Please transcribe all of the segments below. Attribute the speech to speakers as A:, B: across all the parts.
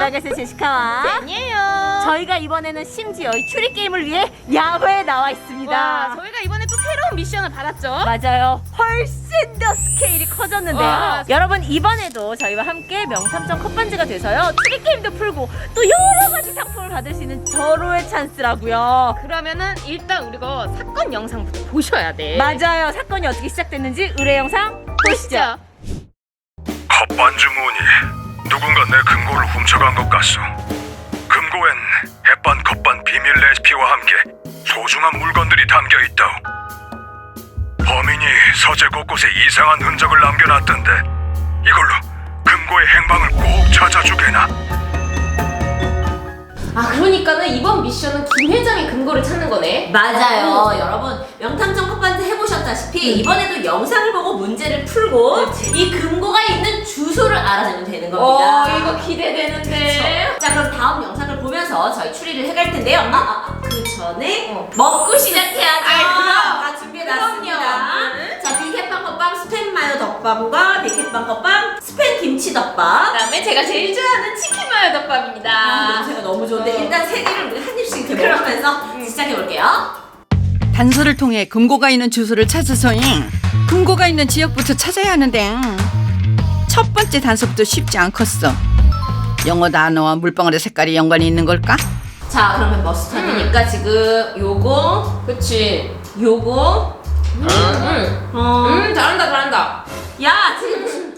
A: 알겠어요, 제시카와
B: 아니에요.
A: 저희가 이번에는 심지어 이 추리 게임을 위해 야외에 나와 있습니다.
B: 와, 저희가 이번에 또 새로운 미션을 받았죠.
A: 맞아요. 훨씬 더 스케일이 커졌는데요.
B: 와.
A: 여러분 이번에도 저희와 함께 명탐정 컵반지가 돼서요. 추리 게임도 풀고 또 여러 가지 상품을 받을 수 있는 절호의 찬스라고요.
B: 그러면은 일단 우리가 사건 영상부터 보셔야 돼.
A: 맞아요. 사건이 어떻게 시작됐는지 의뢰 영상 보시죠.
C: 컵반지 무늬 누군가 내 금고를 훔쳐간 것 같소. 금고엔 햇반 컵반 비밀 레시피와 함께 소중한 물건들이 담겨 있다오. 범인이 서재 곳곳에 이상한 흔적을 남겨놨던데 이걸로 금고의 행방을 꼭 찾아주게나.
B: 아, 그러니까는 이번 미션은 김 회장의 근거를 찾는 거네.
D: 맞아요. 여러분 명탐정 컵반지 해보셨다시피 이번에도 영상을 보고 문제를 풀고
B: 그치.
D: 이 금고가 있는 주소를 알아내면 되는 겁니다.
B: 이거 기대되는데.
D: 자, 그럼 다음 영상을 보면서 저희 추리를 해갈 텐데요. 그 전에 먹고 시작해야죠.
B: 그럼.
D: 다 준비해놨습니다.
B: 그럼요.
D: 자, 빅햇빵 컵밥 스팸 마요 덮밥과 빅햇빵 컵밥 스팸 김치 덮밥.
B: 그다음에 제가 제일 좋아하는 치킨 마요 덮밥입니다.
D: 냄새가 너무 좋은데 일단 세 개를 우리 한 입씩 이렇게 먹으면서 시작해볼게요.
E: 단서를 통해 금고가 있는 주소를 찾아서잉. 금고가 있는 지역부터 찾아야 하는데 첫 번째 단서부터 쉽지 않겠어. 영어 단어와 물방울의 색깔이 연관이 있는 걸까?
D: 자, 그러면 머스타드니까 지금 요거
B: 그치.
D: 요거
B: 잘한다.
D: 야, 지금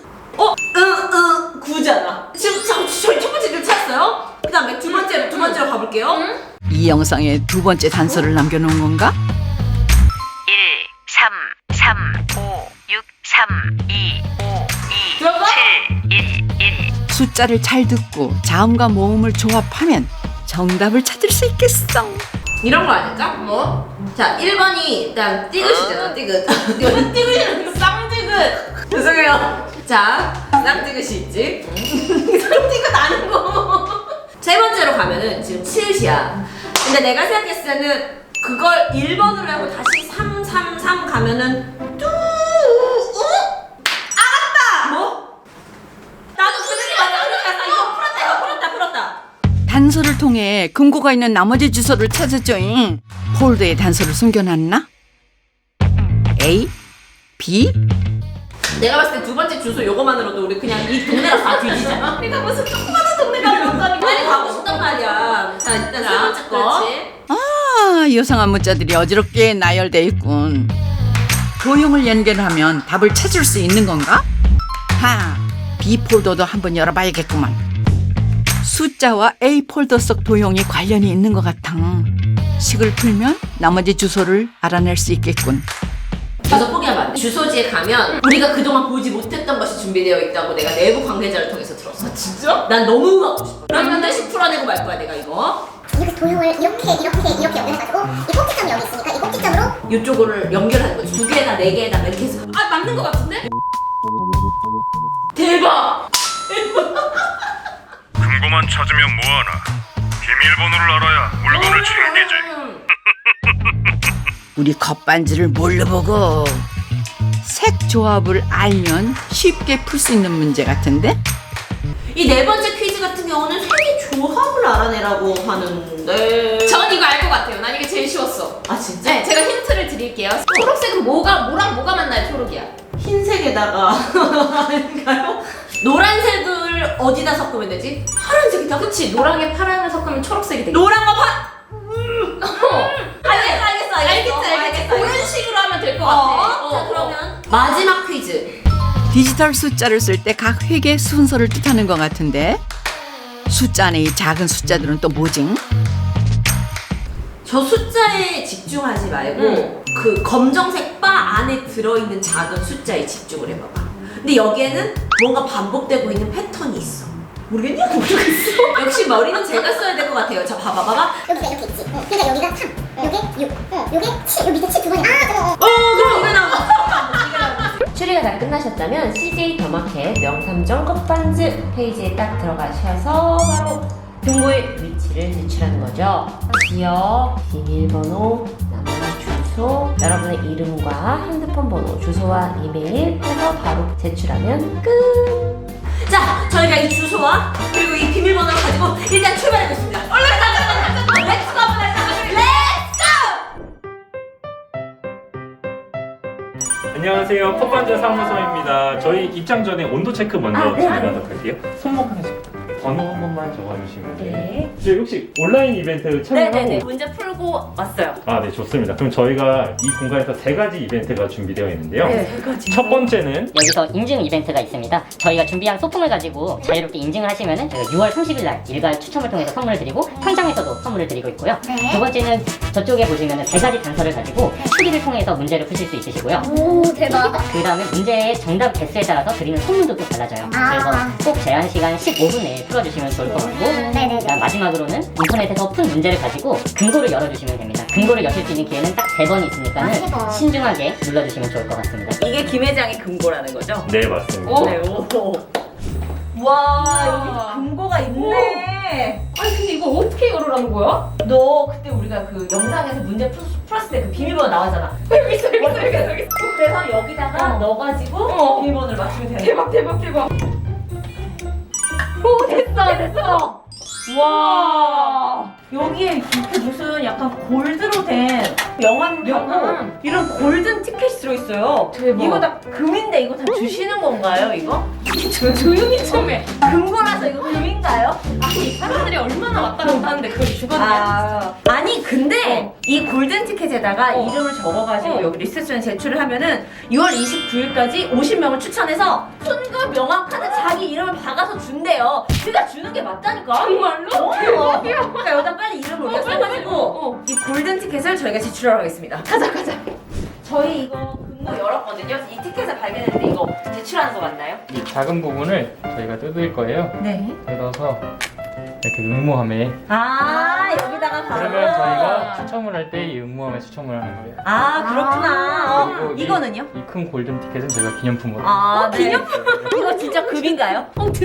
D: 구잖아. 지금 저희 첫 번째를 찾았어요. 그 다음에 두 번째로 가볼게요.
E: 이 영상에 두 번째 단서를 남겨놓은 건가?
F: 1, 3, 3, 5, 6, 3, 2, 5, 2,
B: 들어봐?
F: 7, 1, 1.
E: 숫자를 잘 듣고 자음과 모음을 조합하면 정답을 찾을 수 있겠어.
D: 이런 거 아닐까?
B: 뭐?
D: 자, 1번이 일단 띠긋이잖아, 띠긋. 이거는 띠긋이랑
B: 쌍지긋.
D: 죄송해요. 자, 쌍띠긋이 있지. 띠긋 아니고. 세 번째로 가면은 지금 치읓이야. 근데 내가 생각했을 때는 그걸 1번으로 하고 다시 3, 3, 3 가면은 알았다! 뭐? 나도 그들이 맞아. 이거 풀었다.
E: 단서를 통해 금고가 있는 나머지 주소를 찾았죠잉. 폴더에 단서를 숨겨놨나? A, B?
D: 내가 봤을 때 두 번째 주소 요거만으로도 우리 그냥 이 동네가 다 뒤지잖아. 내가 무슨 조그마한 동네가 뭔가니 빨리 가고 싶단 말이야. 자, 일단 세 번째 거.
B: 그렇지.
E: 아, 요상한 문자들이 어지럽게 나열돼 있군. 도형을 연결하면 답을 찾을 수 있는 건가? B 폴더도 한번 열어봐야겠구만. 숫자와 A 폴더 속 도형이 관련이 있는 것 같아. 식을 풀면 나머지 주소를 알아낼 수 있겠군.
D: 주소 포기하면 안 돼. 주소지에 가면 우리가 그동안 보지 못했던 것이 준비되어 있다고 내가 내부 관계자를 통해서 들었어.
B: 진짜?
D: 난 너무 갖고 싶어. 난 반드시 풀어내고 말 거야, 내가 이거.
G: 이렇게 도형을 이렇게 연결해가지고 이 꼭지점이 여기 있으니까 이 꼭지점으로
D: 이쪽을 연결하는 거지. 두 개나 네 개나 이렇게 해서.
B: 아, 맞는 거 같은데?
D: 대박!
C: 금고만 찾으면 뭐하나. 비밀번호를 알아야 물건을 챙기지.
E: 우리 컵반지를 뭘로 보고 색 조합을 알면 쉽게 풀 수 있는 문제 같은데?
D: 이 네 번째 퀴즈 같은 경우는 색의 조합을 알아내라고 하는데.
B: 전 이거 알 것 같아요. 난 이게 제일 쉬웠어.
D: 아, 진짜?
B: 네, 제가 힌트를 드릴게요. 초록색은 뭐랑 뭐가 만나요, 초록이야?
D: 흰색에다가 아닌가요? 노란색을 어디다 섞으면 되지? 파란색이다.
B: 그치, 노랑에 파랑을 섞으면 초록색이 되겠다.
D: 노란과 알겠어.
B: 그런 식으로 하면 될 것 같아.
D: 자, 그러면 마지막 퀴즈.
E: 디지털 숫자를 쓸 때 각 획의 순서를 뜻하는 것 같은데 숫자 안에 이 작은 숫자들은 또 뭐지?
D: 저 숫자에 집중하지 말고 그 검정색 바 안에 들어있는 작은 숫자에 집중을 해봐봐. 근데 여기에는 뭔가 반복되고 있는 패턴이 있어. 모르겠냐? 모르겠어. 역시 머리는 제가 써야 될 것 같아요. 자, 봐봐.
G: 여기가 이렇게 있지. 그러니까 여기가 3, 요게 6, 요게 7, 요 밑에 7 두 번이 나와.
D: 그럼 이거 나와.
A: 추리가 다 끝나셨다면 CJ 더마켓 명탐정 컵반지 페이지에 딱 들어가셔서 바로 금고의 위치를 제출하는 거죠. 지역, 비밀번호, 나머지 주소, 여러분의 이름과 핸드폰 번호, 주소와 이메일 해서 바로 제출하면 끝!
D: 자, 저희가 이 주소와 그리고 이 비밀번호를 가지고 일단 출발해보겠습니다. 얼른 가자. 렛츠고 한번 하자.
H: 안녕하세요. 컵반자 사무소입니다. 저희 입장 전에 온도 체크 먼저 진행하도록 할게요. 손목 하나씩. 번호 한 번만 적어주시면 돼요.
D: 네.
H: 저희 혹시 온라인 이벤트 참여하고?
D: 네네네. 문제 풀고 왔어요.
H: 아, 네, 좋습니다. 그럼 저희가 이 공간에서 3가지 이벤트가 준비되어 있는데요.
D: 네.
H: 첫 번째는
I: 여기서 인증 이벤트가 있습니다. 저희가 준비한 소품을 가지고 자유롭게 인증을 하시면은 저희가 6월 30일 날 일괄 추첨을 통해서 선물을 드리고 현장에서도 선물을 드리고 있고요. 두 번째는 저쪽에 보시면은 3가지 단서를 가지고 추리를 통해서 문제를 푸실 수 있으시고요.
G: 오 대박.
I: 그 다음에 문제의 정답 개수에 따라서 드리는 선물도 또 달라져요. 그래서 꼭 제한 시간 15분 내에 풀어주시면 좋을 것 같고,
G: 네네네.
I: 그다음 마지막으로는 인터넷에서 푼 문제를 가지고 근거를 열어주시면 됩니다. 근거를 여실 수 있는 기회는 딱 3번이 있으니까는
G: 세 번.
I: 신중하게 눌러주시면 좋을 것 같습니다.
D: 이게 김 회장의 금고라는 거죠?
H: 네, 맞습니다.
D: 네, 오. 와, 여기 금고가 있네.
B: 아니 근데 이거 어떻게 열으라는 거야?
D: 너 그때 우리가 그 영상에서 문제 풀었을 때 그 비밀번호 나왔잖아.
B: 여기 있어.
D: 그래서 여기다가 넣어가지고 비밀번호를 맞추면 되는 거야.
B: 대박. 오 됐어.
D: 와, 여기에 이렇게 무슨 약간 골드로 된 명함하고 이런 골든 티켓이 들어있어요.
B: 대박.
D: 이거 다 금인데 이거 다 주시는 건가요, 이거?
B: 조용히 좀 해.
D: 금고라서 이거 금인가요?
B: 아니 사람들이 얼마나 왔다 갔다 하는데 그걸 주거든요.
D: 아니 근데 이 골든 티켓에다가 이름을 적어가지고 여기 리셉션에 제출을 하면은 6월 29일까지 50명을 추천해서 손과 명함 카드 자기 이름을 박아서 준대요. 그가 주는 게 맞다니까.
B: 정말로?
D: 그러니까 여기다 빨리 이름을 올려 써가지고 이 골든 티켓을 저희가 제출하러 가겠습니다. 가자. 저희 이거 금고 열었거든요. 이 티켓을 발견했는데 이거 제출하는 거 맞나요?
J: 이 작은 부분을 저희가 뜯을 거예요.
D: 네.
J: 뜯어서 이렇게 응모함에
D: 여기다가 바로.
J: 그러면 저희가 추첨을 할 때 이 응모함에 추첨을 하는 거예요.
D: 그렇구나.
J: 그리고
D: 이거는요?
J: 이 큰 골든 티켓은 저희가 기념품으로.
D: 네. 기념품? 이거 진짜 금인가요?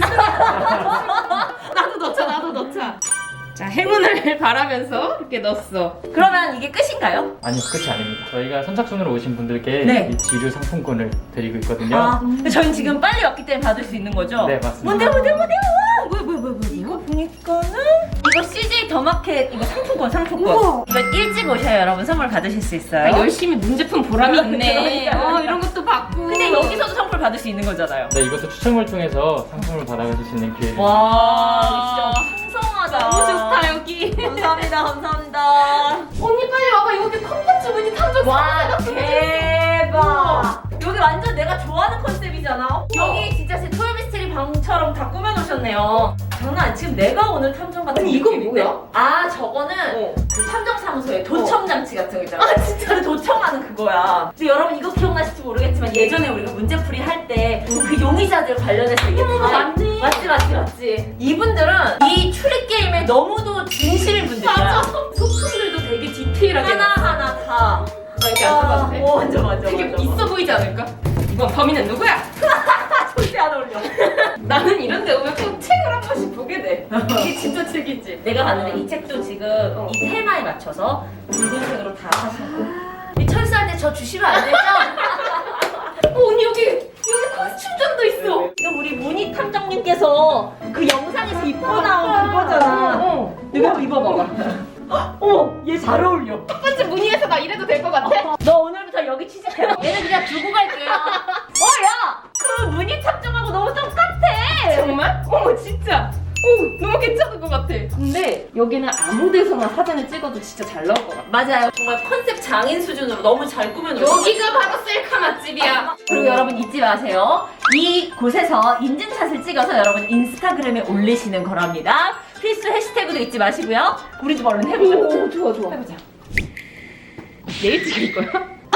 B: 나도 넣자. 자 행운을 바라면서 이렇게 넣었어.
D: 그러면 이게 끝인가요?
J: 아니요, 끝이 아닙니다. 저희가 선착순으로 오신 분들께
D: 네.
J: 이 지류 상품권을 드리고 있거든요.
D: 저희는 지금 빨리 왔기 때문에 받을 수 있는 거죠?
J: 네, 맞습니다.
D: 뭔데? 뭐야? 이거 보니까는 이거 CJ 더마켓 이거 상품권. 이거 일찍 오셔야 여러분 선물 받으실 수 있어요.
B: 열심히 문제품 보람이 있네.
D: 그러니까요.
B: 이런 것도 받고.
D: 근데 여기서도 선물 받을 수 있는 거잖아요.
J: 네, 이것도 추첨을 통해서 상품을 받아가실 수 있는 기회를.
D: 와, 진짜 풍성하다.
B: 너무 좋다 여기.
D: 감사합니다.
B: 언니 빨리 와봐. 여기 콘텐츠 문이 탐정.
D: 와, 대박. 여기 완전 내가 좋아하는 컨셉이잖아. 여기 진짜 제 토요미스테리 방처럼 다 꾸며놓으셨네요. 장난 아니, 지금 내가 오늘 탐정 같은
B: 아니, 이건
D: 느낌인데?
B: 뭐야?
D: 저거는 그 탐정사무소에 도청장치 같은 거 있잖아. 진짜 도청하는 그거야. 근데 여러분 이거 기억나실지 모르겠지만 예전에 우리가 문제풀이 할 때 그 용의자들 관련해서 이게 다
B: 맞네.
D: 맞지. 이분들은 이 추리 게임에 너무도 진실인 분들이야.
B: 맞아. 소품들도 되게 디테일하게.
D: 하나하나 다.
B: 이렇게 앉아봐도 돼?
D: 맞아.
B: 되게 있어 보이지 않을까? 이번 범인은 누구야?
D: 절대 안 어울려.
B: 나는 이런 데 오면 꼭 책을 한 번씩 보게 돼. 이게 진짜 책이지.
D: 내가 봤는데 이 책도 지금 이 테마에 맞춰서 붉은색으로 다 하셨고 이 철수할 때 저 주시면 안 되죠?
B: 언니 여기 코스튬전도 있어.
D: 이거 우리 문희 탐정님께서 그 영상에서 입고 나온 그거잖아. 여기 한번 입어봐봐. 얘 잘 어울려.
B: 첫 번째 문의에서 나 이래도 될 것 같아?
D: 너 오늘부터 여기 취직해. 얘는 그냥 두고 갈게요. 야! 그 문희 탐정하고 너무 똑같아.
B: 정말? 어머 진짜. 오 너무 괜찮은 것 같아. 근데 여기는 아무 데서나 사진을 찍어도 진짜 잘 나올 것 같아.
D: 맞아요. 정말 컨셉 장인 수준으로 너무 잘 꾸며놓으셨어요.
B: 여기가 바로 셀카 맛집이야.
D: 그리고 여러분 잊지 마세요. 이 곳에서 인증샷을 찍어서 여러분 인스타그램에 올리시는 거랍니다. 필수 해시태그도 잊지 마시고요. 우리 좀 얼른 해보자.
B: 오 좋아.
D: 해보자.
B: 내일 찍을 거야?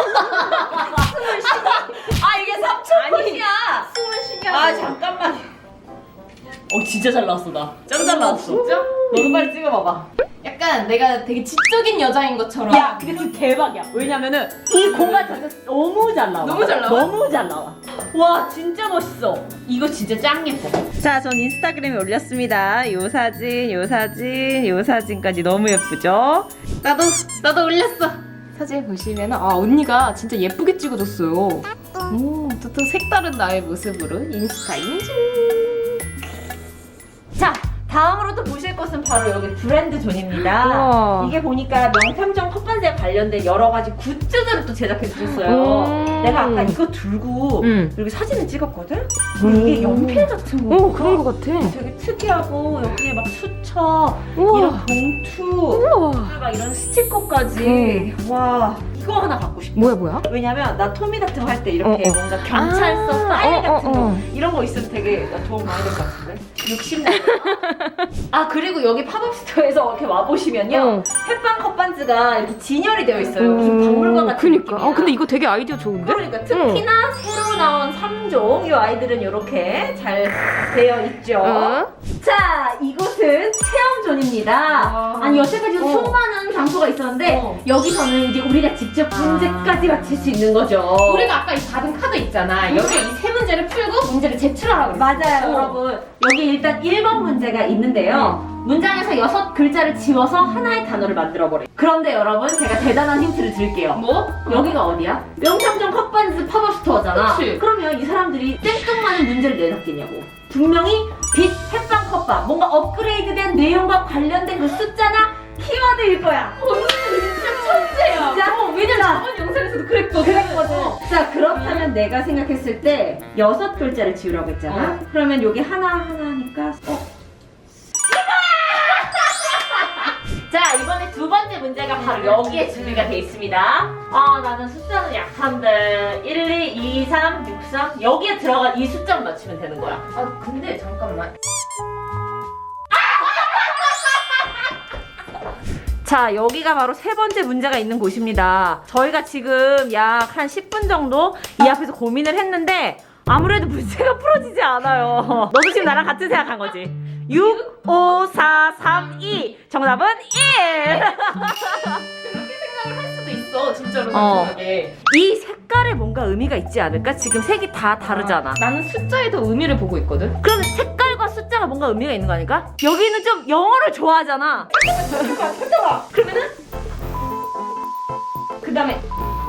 D: 이게 3초 컷이야.
B: 숨을 쉬게 하고.
D: 잠깐만. 진짜 잘 나왔어 나. 짱 잘 나왔어.
B: 진짜?
D: 너도 빨리 찍어봐봐.
B: 약간 내가 되게 지적인 여자인 것처럼.
D: 야, 근데 지금 대박이야. 왜냐면은 이 공간 자체가 너무 잘 나와.
B: 너무 잘 나와?
D: 너무 잘 나와. 와, 진짜 멋있어. 이거 진짜 짱 예뻐. 자, 전 인스타그램에 올렸습니다. 요 사진까지 너무 예쁘죠?
B: 나도 올렸어. 사진 보시면 언니가 진짜 예쁘게 찍어줬어요. 또 색다른 나의 모습으로 인스타 인증.
A: 다음으로 또 보실 것은 바로 여기 브랜드 존입니다.
B: 우와.
A: 이게 보니까 명탐정 컵반지에 관련된 여러 가지 굿즈들을 또 제작해 주셨어요. 내가 아까 이거 들고 여기 사진을 찍었거든? 이게 연필 같은 거.
B: 그런 거 같아.
A: 되게 특이하고 여기에 막 수첩,
B: 우와.
A: 이런 봉투,
B: 우와.
A: 그리고 막 이런 스티커까지. 와, 이거 하나 갖고 싶어.
B: 뭐야?
A: 왜냐면 나 토미 같은 거 할 때 이렇게 뭔가 경찰서 파일 같은 거 이런 거 있으면 되게 나 도움 많이 될 것 같은데? 60년. 아, 그리고 여기 팝업 스토어에서 이렇게 와보시면요. 햇반 컵반지가 이렇게 진열이 되어 있어요. 무슨 박물관 같은
B: 그니까.
A: 느낌이야.
B: 근데 이거 되게 아이디어 좋은데?
A: 그러니까 특히나 새로 나온 3종 이 아이들은 이렇게 잘 되어 있죠. 자, 이곳은 체험존입니다. 아니 여태까지 수많은 장소가 있었는데 여기서는 이제 우리가 직접 문제까지 맞힐 수 있는 거죠.
B: 우리가 아까 이 받은 카드 있잖아. 여기에 이 세 문제를 풀고 문제를 제출하라고 그랬어.
A: 맞아요, 여러분. 여기 일단 1번 문제가 있는데요. 문장에서 6글자를 지워서 하나의 단어를 만들어버려요. 그런데 여러분, 제가 대단한 힌트를 드릴게요.
B: 뭐?
A: 여기가 어디야? 명탐정 컵반지 팝업 스토어잖아.
B: 그치.
A: 그러면 이 사람들이 생뚱맞은 문제를 내놨겠냐고. 분명히 빛, 햇반, 컵밥, 뭔가 업그레이드된 내용과 관련된 그 숫자나 키워드일 거야.
B: 진짜 천재야.
A: 진짜?
B: 왜냐면 저번 영상에서도 그랬거든.
A: 자, 그렇다면 내가 생각했을 때 6글자를 지우라고 했잖아. 그러면 여기 하나하나니까 자, 이번에 두 번째 문제가 바로 여기에 준비가 돼 있습니다. 아, 나는 숫자는 약한데 1, 2, 2, 3, 6, 3 여기에 들어간 이 숫자만 맞추면 되는 거야.
B: 아, 근데 잠깐만.
A: 자, 여기가 바로 세 번째 문제가 있는 곳입니다. 저희가 지금 약 한 10분 정도 이 앞에서 고민을 했는데 아무래도 문제가 풀어지지 않아요. 너도 지금 나랑 같은 생각한 거지? 6, 5, 4, 3, 2 정답은 1!
B: 그렇게 생각을 할 수도 있어, 진짜로
A: 어.
B: 단순하게.
A: 이 색깔에 뭔가 의미가 있지 않을까? 지금 색이 다 다르잖아.
B: 나는 숫자에 더 의미를 보고 있거든.
A: 그럼 색깔과 숫자가 뭔가 의미가 있는 거 아닐까? 여기는 좀 영어를 좋아하잖아. 그러면은 그 다음에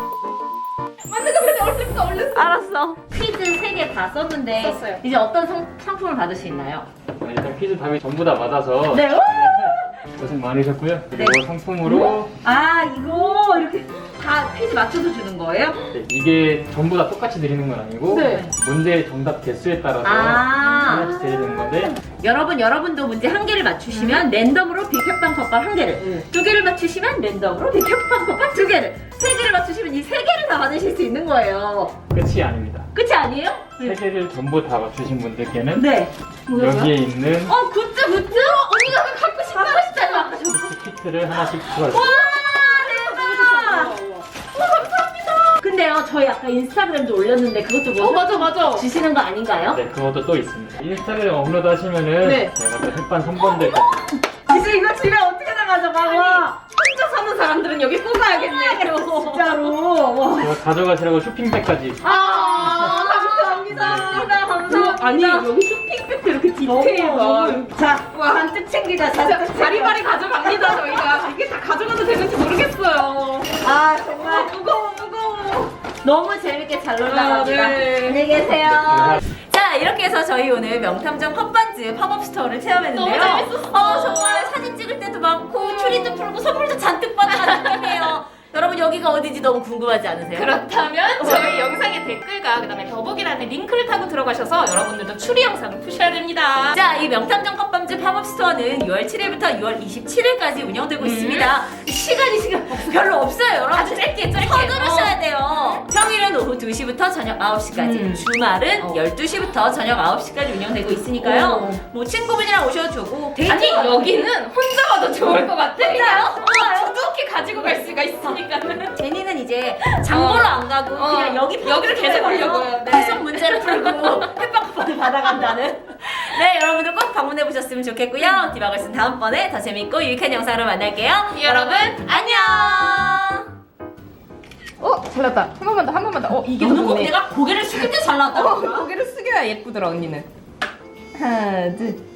B: 얼른.
A: 알았어. 퀴즈 3개 다 썼는데
B: 썼어요.
A: 이제 어떤 상품을 받을 수 있나요?
J: 일단 퀴즈 답이 전부 다 맞아서
A: 네.
J: 고생 많으셨고요. 그리고 상품으로
A: 아, 이거 이렇게 다 퀴즈 맞춰서 주는 거예요?
J: 네, 이게 전부 다 똑같이 드리는 건 아니고
A: 네.
J: 문제의 정답 개수에 따라서
A: 아.
J: 하나씩 드리는 건데
A: 여러분도 문제 한 개를 맞추시면 랜덤으로 빅햇빵 컵밥 한 개를, 두 개를 맞추시면 랜덤으로 빅햇빵 컵밥 두 개를, 세 개를 맞추시면 이 세 개를 다 받으실 수 있는 거예요.
J: 끝이 아닙니다.
A: 끝이 아니에요?
J: 세 개를 전부 다 맞추신 분들께는
A: 네.
J: 여기에 있는
A: 굿즈! 언니가 갖고 싶다고 했잖아.
J: 키트를 하나씩 추가해요.
A: 와, 대박! 감사합니다. 근데요, 저희 아까 인스타그램도 올렸는데 그것도 뭐
B: 맞아.
A: 주시는 거 아닌가요?
J: 네, 그것도 또 있습니다. 인스타그램 업로드 하시면은
B: 네.
J: 제가 또 햇반 3번들
A: 이제 이거 집에 어떻게 나가져가?
B: 혼자 사는 사람들은 여기 꼭 가야겠네.
A: 진짜로. 와.
J: 제가 가져가시라고 쇼핑백까지
A: 감사합니다.
B: 아니, 여기 쇼핑백도 이렇게 디테일가.
A: 자, 잔뜩 챙기자. 잔뜩
B: 바리바리 가져갑니다, 저희가. 이게 다 가져가도 되는지 모르겠어요.
A: 아, 정말
B: 무거워.
A: 너무 재밌게 잘 놀다 갑니다.
B: 네.
A: 안녕히 계세요. 자, 이렇게 해서 저희 오늘 명탐정 컵반지 팝업 스토어를 체험했는데요.
B: 너무 재밌었어.
A: 정말 사진 찍을 때도 많고 추리도 풀고 선물도 잔뜩 받아가는 느낌이에요. 여러분, 여기가 어디지 너무 궁금하지 않으세요?
B: 그렇다면 저희 영상의 댓글과 그다음에 더보기란에 링크를 타고 들어가셔서 여러분들도 추리 영상을 푸셔야 됩니다.
A: 자, 이 명탐정 컵반지 팝업 스토어는 6월 7일부터 6월 27일까지 운영되고 있습니다. 시간이 지금 별로 없어요, 여러분.
B: 아주 짧게.
A: 서두르셔야 돼요. 평일은 오후 2시부터 저녁 9시까지, 주말은 12시부터 저녁 9시까지 운영되고 있으니까요. 뭐 친구분이랑 오셔도 좋고.
B: 아니, 여기는 혼자 와도 좋을 것 같아.
A: 진짜요?
B: 두둑히 가지고 갈 수가 있으니까.
A: 제니는 이제 장보러 안 가고 그냥
B: 여기를 계속 오려고요. 네.
A: 계속 문제를 풀고 햇빵컵밥을 받아간다는. 네, 여러분들 꼭 방문해 보셨으면 좋겠고요. 디바걸스는 다음번에 더 재밌고 유익한 영상으로 만날게요.
B: 여러분,
A: 안녕.
B: 잘났다. 한 번만 더. 이게
A: 너는 꼭 내가 고개를 숙일 때 잘 나왔다.
B: 고개를 숙여야 예쁘더라, 언니는. 하나, 둘.